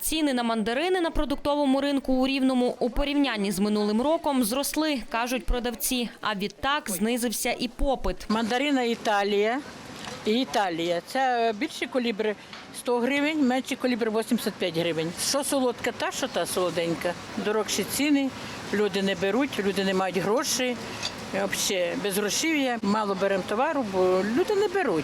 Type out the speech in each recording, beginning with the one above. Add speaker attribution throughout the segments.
Speaker 1: Ціни на мандарини на продуктовому ринку у Рівному у порівнянні з минулим роком зросли, кажуть продавці, а відтак знизився і попит.
Speaker 2: Мандарина Італія. Це більші калібри 100 гривень, менші калібри 85 гривень. Що солодка, та що та солоденька. Дорогші ціни, люди не беруть, люди не мають грошей. Взагалі без грошів'я, мало беремо товару, бо люди не беруть.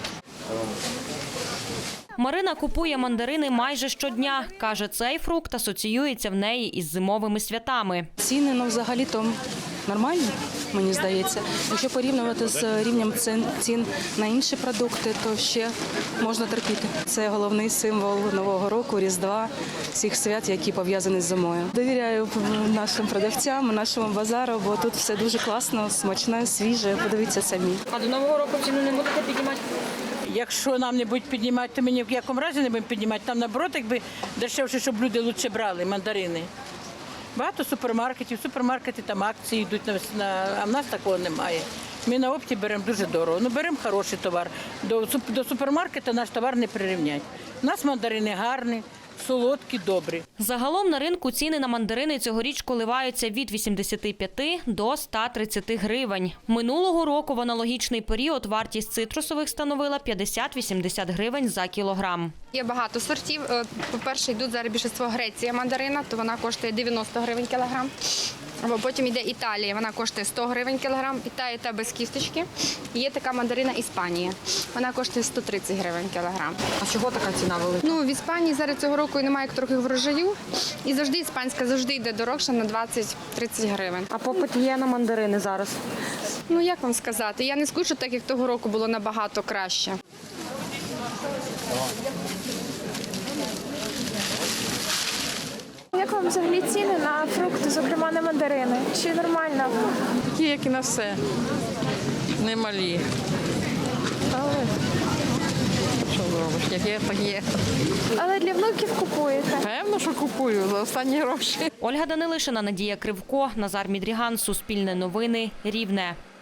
Speaker 1: Марина купує мандарини майже щодня. Каже, цей фрукт асоціюється в неї із зимовими святами.
Speaker 3: Ціни, взагалі-то нормальні, мені здається. Якщо порівнювати з рівнем цін на інші продукти, то ще можна терпіти. Це головний символ Нового року, Різдва, всіх свят, які пов'язані з зимою. Довіряю нашим продавцям, нашому базару, бо тут все дуже класно, смачне, свіже. Подивіться самі.
Speaker 1: А до Нового року ціну не будете піднімати?
Speaker 2: Якщо нам не будуть піднімати, то ми ні в якому разі не будемо піднімати. Там, наоборот, якби дешевше, щоб люди краще брали мандарини. Багато супермаркетів, супермаркети там акції йдуть, а в нас такого немає. Ми на опті беремо дуже дорого, беремо хороший товар. До супермаркету наш товар не прирівнять. У нас мандарини гарні, солодкі, добрі.
Speaker 1: Загалом на ринку ціни на мандарини цьогоріч коливаються від 85 до 130 гривень. Минулого року в аналогічний період вартість цитрусових становила 50-80 гривень за кілограм.
Speaker 4: Є багато сортів. По-перше, йдуть зараз більшість Греція мандарина, то вона коштує 90 гривень кілограм. Або потім йде Італія, вона коштує 100 гривень кілограм, і та без кісточки. Є така мандарина Іспанія, вона коштує 130 гривень кілограм.
Speaker 5: А чого така ціна велика?
Speaker 4: В Іспанії зараз цього року немає трохи врожаю, і завжди іспанська йде дорожче на 20-30 гривень.
Speaker 5: А попит є на мандарини зараз?
Speaker 4: Як вам сказати, я не скажу, так як того року було набагато краще.
Speaker 6: Як вам взагалі ціни на фрукти, зокрема на мандарини? Чи нормально?
Speaker 7: Такі, як і на все. Немалі. Але що зробиш? Як є, так є.
Speaker 6: Але для внуків купуєте?
Speaker 7: Певно, що купую за останні гроші.
Speaker 1: Ольга Данилишина, Надія Кривко, Назар Мідріган, Суспільне новини, Рівне.